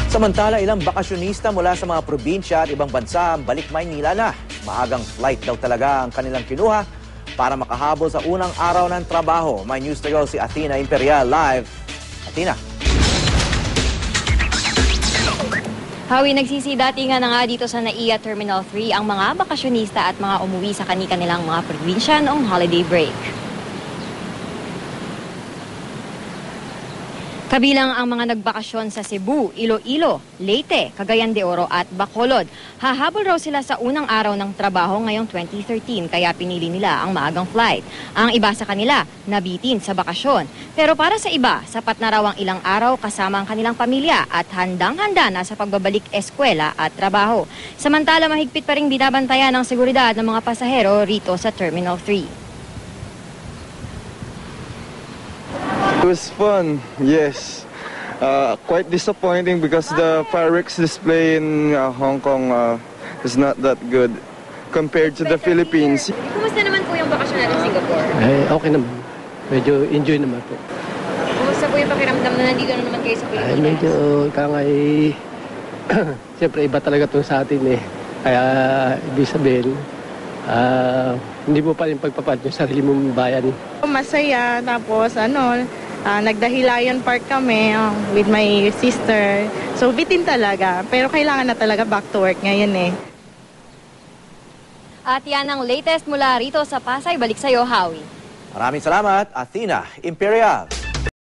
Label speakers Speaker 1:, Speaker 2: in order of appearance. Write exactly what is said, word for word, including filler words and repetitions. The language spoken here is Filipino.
Speaker 1: Samantala, ilang bakasyonista mula sa mga probinsya at ibang bansa ang balik Maynila na. Maagang flight daw talaga ang kanilang kinuha para makahabol sa unang araw ng trabaho. May news to go si Athena Imperial live. Athena.
Speaker 2: Hawi, nagsisidatingan na nga dito sa NAIA Terminal three ang mga bakasyonista at mga umuwi sa kani-kanilang mga probinsya noong holiday break. Kabilang ang mga nagbakasyon sa Cebu, Iloilo, Leyte, Cagayan de Oro at Bacolod. Hahabol raw sila sa unang araw ng trabaho ngayong twenty thirteen kaya pinili nila ang maagang flight. Ang iba sa kanila, nabitin sa bakasyon. Pero para sa iba, sapat na raw ang ilang araw kasama ang kanilang pamilya at handang-handa na sa pagbabalik eskwela at trabaho. Samantala, mahigpit pa ring binabantayan ng seguridad ng mga pasahero rito sa Terminal three.
Speaker 3: It was fun, yes. Uh, quite disappointing because the fireworks display in uh, Hong Kong uh, is not that good compared to the Philippines.
Speaker 2: Kumusta naman po yung bakasyon natin sa Singapore?
Speaker 4: Eh, okay naman. Medyo enjoy naman po.
Speaker 2: Kumusta po yung pakiramdam na nandito na naman kayo sa Pilipinas?
Speaker 4: Ay, medyo kangay... Siyempre, iba talaga ito sa atin eh. Kaya, ibig sabihin, uh, hindi mo pa rin pagpapat yung sarili mong bayan.
Speaker 5: Masaya, tapos ano, uh, nagdahilayan park kami uh, with my sister. So, bitin talaga. Pero kailangan na talaga back to work ngayon eh.
Speaker 2: At yan ang latest mula rito sa Pasay. Balik sa'yo, Howie.
Speaker 1: Maraming salamat, Athena Imperial.